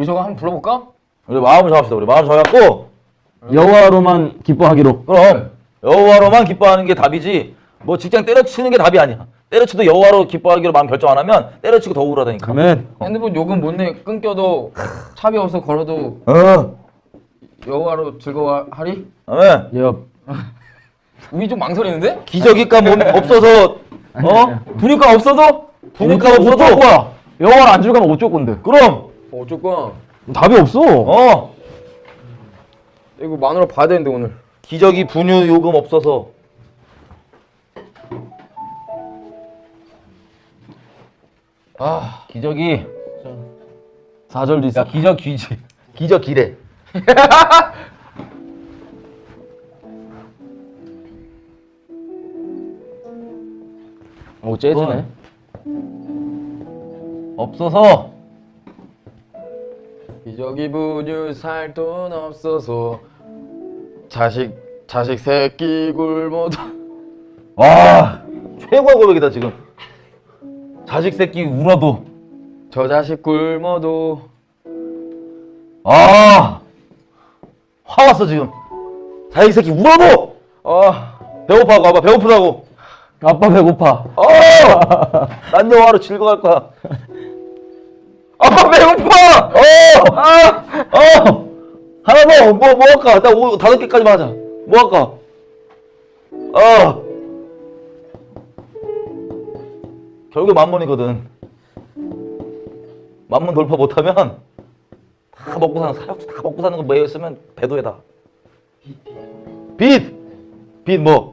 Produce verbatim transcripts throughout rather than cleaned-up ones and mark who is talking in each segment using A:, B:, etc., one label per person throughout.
A: 여기저기 한번 불러볼까?
B: 우리 마음을 정합시다. 우리 마음을 정해갖고
C: 여호와로만 기뻐하기로.
B: 그럼 여호와로만 기뻐하는 게 답이지 뭐 직장 때려치는 게 답이 아니야. 때려치도 여호와로 기뻐하기로 마음 결정 안 하면 때려치고 더 우울하다니까.
C: 아멘.
A: 핸드폰 요금 못 내 끊겨도 차비 없어 걸어도
B: 어.
A: 여호와로 즐거워하리?
B: 아멘.
C: 여.
A: 우리 좀 망설이는데?
B: 기저귀값 못- 없어서 어? 분유값 없어도? 분유값 없어도?
C: 거야. 여호와를 안 즐거면 어쩔 건데.
B: 그럼
A: 어, 어쩔 거야?
C: 답이 없어.
B: 어
A: 이거 마누라 봐야 되는데 오늘.
B: 기저귀 분유 요금 없어서 아 기저귀
C: 사 절도 있어.
B: 야 기저 귀지 기저 기래
C: 오 재즈네.
B: 없어서
A: 기저귀 분유 살 돈 없어서 자식 자식 새끼 굶어도
B: 와 최고의 고백이다 지금 자식 새끼 울어도
A: 저 자식 굶어도
B: 아 화 왔어 지금 자식 새끼 울어도
A: 아
B: 배고파고 봐봐 배고프다고
C: 아빠 배고파.
B: 어! 난 영화로 즐거워할 거야
A: 아빠 배고파!
B: 어! 아! 어! 하나 더! 뭐, 뭐 할까? 나 오, 다섯 개까지만 하자. 뭐 할까? 어! 결국 만문이거든. 만문 돌파 못하면 다 먹고 사는, 사육수 다 먹고 사는 거 매였으면 배도에다. 빚! 빚 뭐?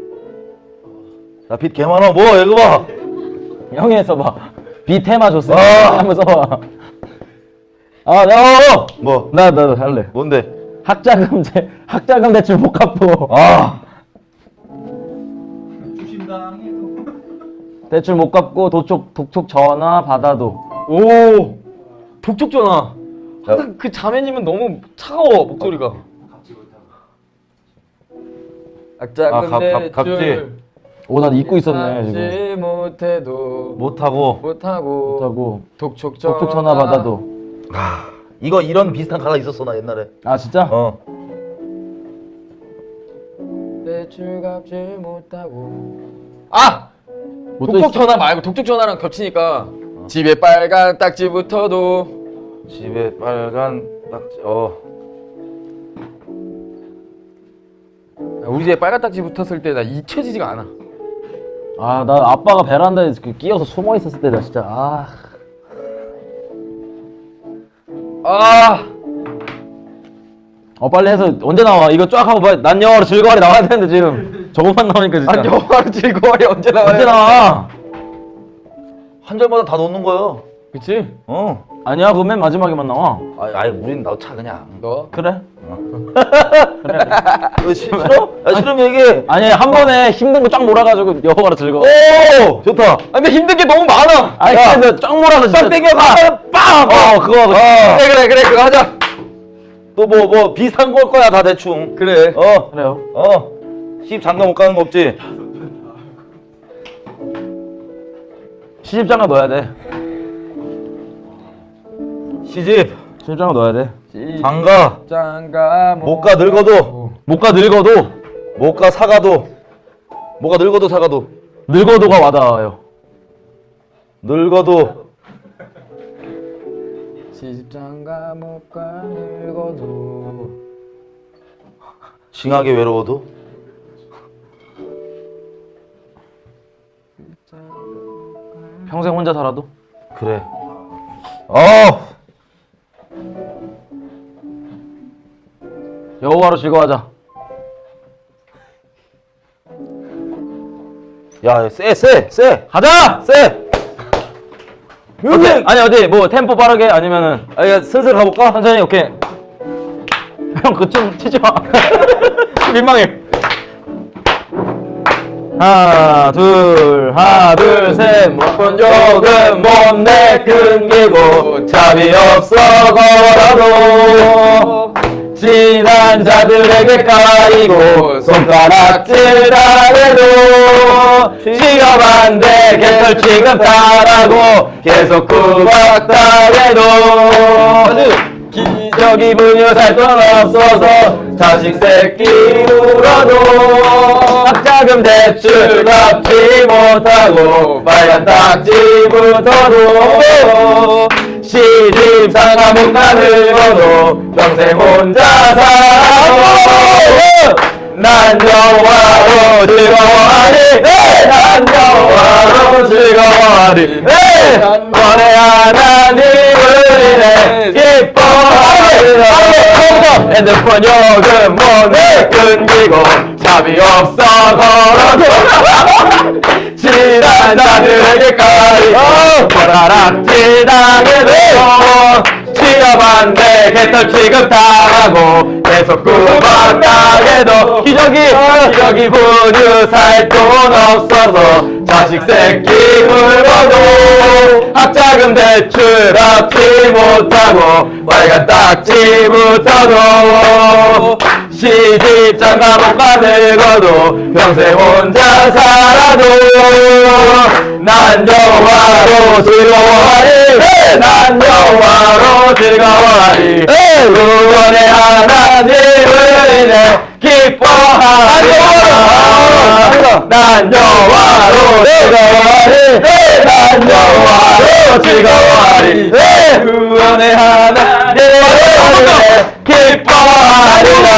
B: 나 빚 개 많아. 뭐, 이거 봐.
C: 형이 써봐. 비 테마 줬어.
B: 아.
C: 한번 써봐. 아, 나,
B: 뭐?
C: 나, 나도 할래.
B: 뭔데?
C: 학자금 제 학자금 대출 못 갚고.
B: 아!
C: 대출 못 갚고 도촉 독촉 전화 받아도.
A: 오 독촉 전화. 항상 그 자매님은 너무 차가워 목소리가. 악자
B: 아, 갑- 갑- 갑질.
C: 오, 난 잊고 있었네 지금.
A: 하지 못해도
B: 못하고.
A: 못하고
C: 못하고
A: 독촉 전화
C: 독촉 전화 받아도.
B: 아, 이거 이런 비슷한 가사 있었어 나 옛날에.
C: 아 진짜?
B: 어.
A: 대출 갚지 못하고 아!
C: 뭐 또
A: 독촉
C: 있어?
A: 전화 말고 독촉 전화랑 겹치니까 집에 빨간 딱지 붙어도
B: 집에 빨간 딱지. 어.
A: 우리 집에 빨간 딱지 붙었을 때 나 잊혀지지가 않아.
C: 아, 나 아빠가 베란다에 그 끼어서 숨어 있었을 때 나 진짜 아.
A: 아
C: 어 빨리 해서 언제 나와? 이거 쫙 하고 빨리 난 영화로 즐거워하리 나와야 되는데 지금 저것만 나오니까 진짜.
A: 난 영화로 즐거워해 언제 나와요?
C: 언제 나와?
B: 한 절마다 다 넣는 거야.
A: 그치?
B: 어.
C: 아니야, 그거 맨 마지막에만 나와.
B: 아, 아이 우린 넣자 그냥.
A: 너?
C: 그래?
B: 너 시- 싫어? 아, 싫으면 얘기해.
C: 아니 한 번에 힘든 거 쫙 몰아가지고 영화로 즐거워.
B: 오, 좋다.
A: 아 근데 힘든 게 너무 많아.
C: 아니 근데 쫙 몰아서 진짜.
B: 딱 땡겨 가. 빵.
C: 어 그거.
B: 어.
A: 그래 그래 그래 그거 하자.
B: 또 뭐 뭐 비슷한 걸 거야 다 대충.
A: 그래.
B: 어.
C: 그래요.
B: 어. 시집 장가 못 가는 거 없지?
C: 시집장가 넣어야 돼.
B: 시집
C: 시집장가 넣어야 돼.
B: 장가
A: 장가
B: 못 가 늙어도
C: 못 가 늙어도
B: 못 가 사가도 뭐가 늙어도 사가도
C: 늙어도가 와닿아요.
B: 늙어도
A: 시집장가 못 가 늙어도
B: 징하게 외로워도
C: 평생 혼자 살아도.
B: 그래. 어.
C: 여호와로 즐거워하자.
B: 야, 쎄, 쎄, 쎄.
C: 가자.
B: 쎄.
C: 오케이. 아니 어디 뭐 템포 빠르게 아니면은
B: 아, 야, 슬슬 가볼까?
C: 천천히. 오케이. 형 그춤 치지 마. 민망해. 하나 둘 하나 둘 셋 못본 요금 못 내 끊기고 차비 없어 걸어도 지난 자들에게 까이고 손가락질 당해도 취업한데 개털 취급하라고 계속 구박당해도 기저귀 분유 살 돈 없어서 자식 새끼 울어도 학자금 대출 갚지 못하고 빨간 딱지부터도 시집 상가 못 가늙어도 평생 혼자 살아도 난 영화로 즐거워하리 난 영화로 즐거워하리 번에 하나님을 인해 기뻐하리라 핸드폰 요금 못 끊기고 차비 없어 걸어도 친한 자들에게까지 보라락지 당해도 취업한데 개털 취급당하고 계속 구박당해도 기저귀 기저귀 분유 살 돈 없어서 자식 새끼 굶어도 학자금 대출 갚지 못하고 빨간 딱지부터도 시집 장가 못 가늙어도 평생 혼자 살아도 난 영화로 즐거워하리 난 영화로 즐거워하리 구원의 하나님을 인해 기뻐하리라 난 영화로 즐거워하리 난 영화로 즐거워하리 구원의 하나님을 인해 기뻐하리라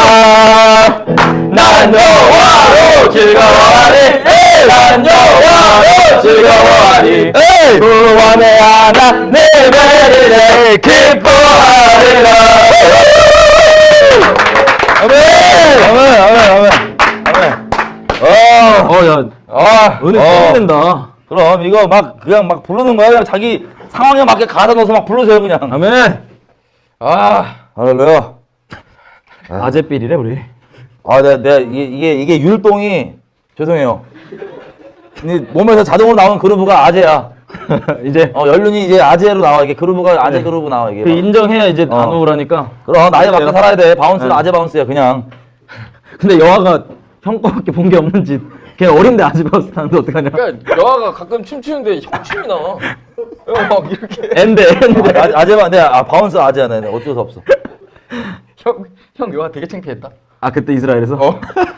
C: 난 영화로 즐거워하리 난 영화로 즐거워하리 구원의 하나님을 인해 기뻐하리라 아멘 아멘 아멘 아멘 아멘 어야 아, 은혜 써야 된다.
B: 그럼 이거 막 그냥 막 부르는 거야. 그냥 자기 상황에 맞게 가다 넣어서 막 불러줘요 그냥.
C: 아멘. 아,
B: 할렐루야.
C: 아재삘이래 우리.
B: 아, 내가, 내가 이게, 이게 이게 율동이 죄송해요. 이 몸에서 자동으로 나오는 그루브가 아재야.
C: 이제
B: 어 연륜이 이제 아재로 나와 이게 그루브가 아재
C: 네.
B: 그루브 나와 이게.
C: 그 인정해야 이제
B: 어.
C: 안 우울하니까.
B: 그럼 나이 맞게 살아야 돼. 바운스는
C: 네.
B: 아재 바운스야 그냥.
C: 근데 여아가 형 거밖에 본 게 없는지 걔 어린데 아재 바운스 타는데 어떡하냐.
A: 그러니까 여아가 가끔 춤추는데 형춤이 나. 어, 막 이렇게
C: 엔데 엔데.
B: 아, 아재만 내 아, 바운스 아재야 내 어쩔 수 없어.
A: 형, 형 여아 되게 창피했다.
C: 아 그때 이스라엘에서?
A: 어.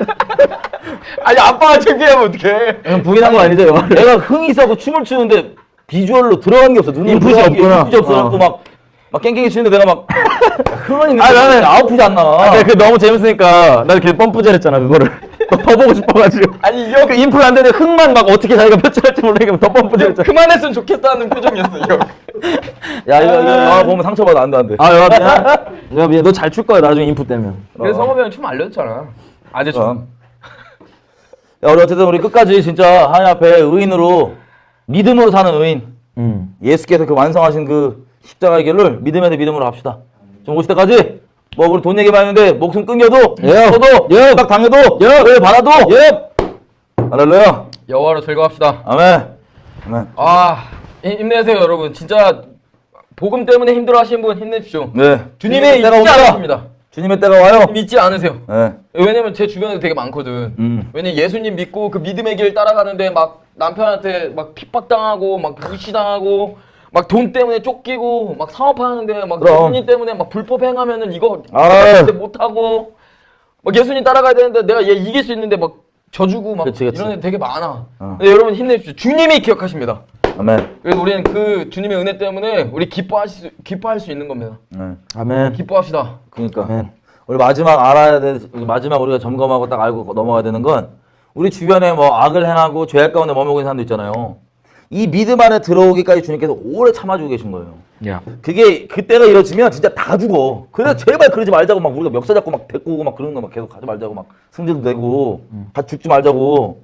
A: 아니 아빠가 창피하면 어떡해.
C: 형 부인한 거 아니죠 여아를?
B: 내가 흥이 있어서 춤을 추는데 비주얼로 들어간 게 없어. 눈으로
C: 인풋이
B: 들어간 게
C: 없구나.
B: 인풋이 없어갖고
C: 어.
B: 막, 막 깽깽이 추는데 내가 막 흥은 있는데
C: 아, 나는-
B: 아웃풋이 안 나와.
C: 아, 근데 그 너무 재밌으니까 나 이렇게 펌프질 했잖아 그거를. 더 보고 싶어가지고.
A: 아니 이 형
C: 그 인플 안 되는데 흙만 막 어떻게 자기가 표출할지 모르니까 더 펌프질 했잖아.
A: 그만했으면 좋겠다는 표정이었어 이 형.
B: 야 이거 이거 아, 보면 상처받아 안돼 안돼.
C: 아 여아 미안. 여아 미안. 너 잘 출 거야 나중에 인풋 되면.
A: 그래서 성범이 형이 춤 알려줬잖아. 아재 춤.
B: 그럼. 야 우리 어쨌든 우리 끝까지 진짜 하나님 앞에 의인으로 믿음으로 사는 의인
C: 음.
B: 예수께서 그 완성하신 그 십자가의 길을 믿음에 대해 믿음으로 합시다. 좀 오실 때까지 뭐 우리 돈 얘기만 했는데 목숨 끊겨도
C: 예.
B: 써도 예. 딱 당해도 예. 을 받아도 예. 할렐루야.
A: 여아로 즐거합시다.
B: 아멘. 아멘.
A: 아 힘- 힘내세요 여러분. 진짜 복음 때문에 힘들어하시는 분 힘내십시오.
B: 네.
A: 주님의
B: 때가
A: 잊지
B: 옵니다.
A: 않으십니다.
B: 주님의 때가 와요.
A: 믿지 않으세요.
B: 네.
A: 왜냐면 제 주변에 되게 많거든.
B: 음.
A: 왜냐면 예수님 믿고 그 믿음의 길 따라가는데 막 남편한테 막 핍박당하고 막 무시당하고 막 돈 때문에 쫓기고 막 사업하는데 막
B: 그럼.
A: 예수님 때문에 막 불법 행하면은 이거
B: 아유.
A: 못하고 막 예수님 따라가야 되는데 내가 얘 이길 수 있는데 막 져주고 막
B: 그치, 그치.
A: 이런 애 되게 많아.
B: 어.
A: 근데 여러분 힘내십시오. 주님이 기억하십니다.
B: 아멘.
A: 그래서 우리는 그 주님의 은혜 때문에 우리 기뻐할 수, 기뻐할 수 있는 겁니다.
B: 네.
C: 아멘.
A: 기뻐합시다.
B: 그러니까
C: 아멘.
B: 우리 마지막 알아야 돼 마지막 우리가 점검하고 딱 알고 넘어가야 되는 건 우리 주변에 뭐 악을 행하고 죄악 가운데 머물고 있는 사람도 있잖아요. 이 믿음 안에 들어오기까지 주님께서 오래 참아주고 계신 거예요.
C: 야.
B: 그게 그때가 이뤄지면 진짜 다 죽어. 그래서 제발 그러지 말자고 막 우리가 멱살 잡고 막 데리고 오고 막 그런 거 막 계속 가지 말자고 막 승질도 내고 같이 죽지 말자고.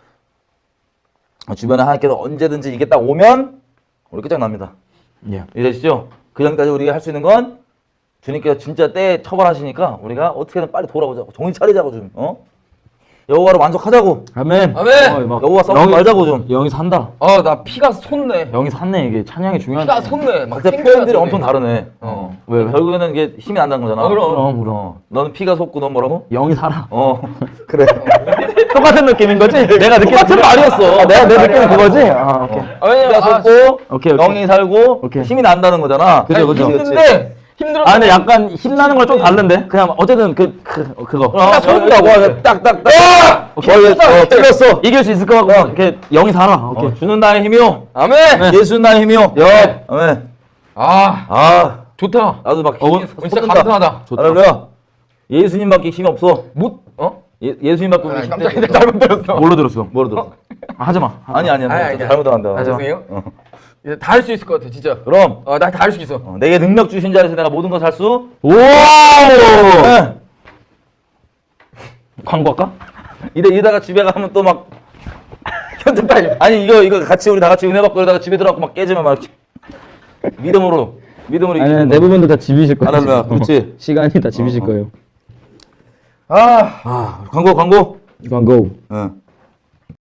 B: 주변에 하나님께서 언제든지 이게 딱 오면 우리 끝장납니다.
C: 야.
B: 이해되시죠? 그 전까지 우리가 할 수 있는 건 주님께서 진짜 때 처벌하시니까 우리가 어떻게든 빨리 돌아오자고 정신 차리자고 좀 어? 여호와로 만족하자고.
C: 아멘.
A: 아멘.
C: 어, 막
B: 여호와 싸우지
C: 영이-
B: 말자고 좀.
C: 영이 산다.
A: 아 나 피가 솟네.
C: 영이 샀네 이게 찬양이 중요한.
A: 피가 솟네. 막
B: 각자
A: 탱크가
B: 표현들이
A: 솟네.
B: 엄청 다르네.
A: 어.
C: 왜, 왜?
B: 결국에는 이게 힘이 난다는 거잖아.
A: 어, 그럼.
C: 그럼 그럼.
B: 어. 너는 피가 솟고 넌 뭐라고?
C: 영이 살아.
B: 어. 그래.
C: 똑같은 느낌인 거지? 내가 느끼는
B: 똑같은 말이었어.
C: 내가 내 느낌은 그거지? 아 오케이.
A: 아, 왜냐면
B: 피가
A: 아,
B: 솟고
C: 오케이, 오케이.
B: 영이 살고
C: 오케이.
B: 힘이 난다는 거잖아.
C: 그죠,
A: 아니,
C: 그죠.
A: 힘든데 힘들어.
C: 아 근데 약간 힘나는 걸 좀 다른데? 그냥 어쨌든 그, 그 어, 그거
B: 나 소문나 와 딱딱딱
C: 오케이.
B: 어 틀렸어
C: 이길 수 있을 것 같고 이렇게 영이 살아. 오케이.
B: 어, 주는 나의 힘이요
A: 아멘.
B: 예수는 나의 힘이요
C: 여.
B: 아멘
A: 아
B: 아
A: 좋다.
B: 나도 막
C: 어,
B: 힘이
A: 진짜
B: 솟는다.
A: 감사하다.
B: 할렐루야 예수님밖에 힘이 없어
A: 못 어?
B: 예, 예수님밖에 우리
A: 아,
B: 힘
A: 깜짝이야
B: 없어.
A: 잘못 들었어.
C: 뭘로 들었어?
B: 뭐로 들었어?
C: 아, 하지 마.
B: 아니 아니
A: 아니,
B: 아니
A: 아니,
B: 잘못한다
A: 아, 죄송해요.
B: 어.
A: 다 할 수 있을 것 같아 진짜.
B: 그럼
A: 어, 나 다 할 수 있어.
B: 어, 내게 능력 주신 자에서 내가 모든 것을 할수
C: 오!
B: 네.
C: 광고할까?
B: 이래 이러다가 집에 가면 또 막
A: 현재 타임.
B: 아니 이거 이거 같이 우리 다 같이 은혜 받고 이러다가 집에 들어가고 막 깨지면 막 이렇게 믿음으로 믿음으로
D: 아니
B: 이기는
D: 대부분도 다 집이실 거예요.
B: 할렐루야 그렇지
D: 시간이 다 집이실 거예요.
B: 아, 아 광고 광고
D: 광고.
B: 응.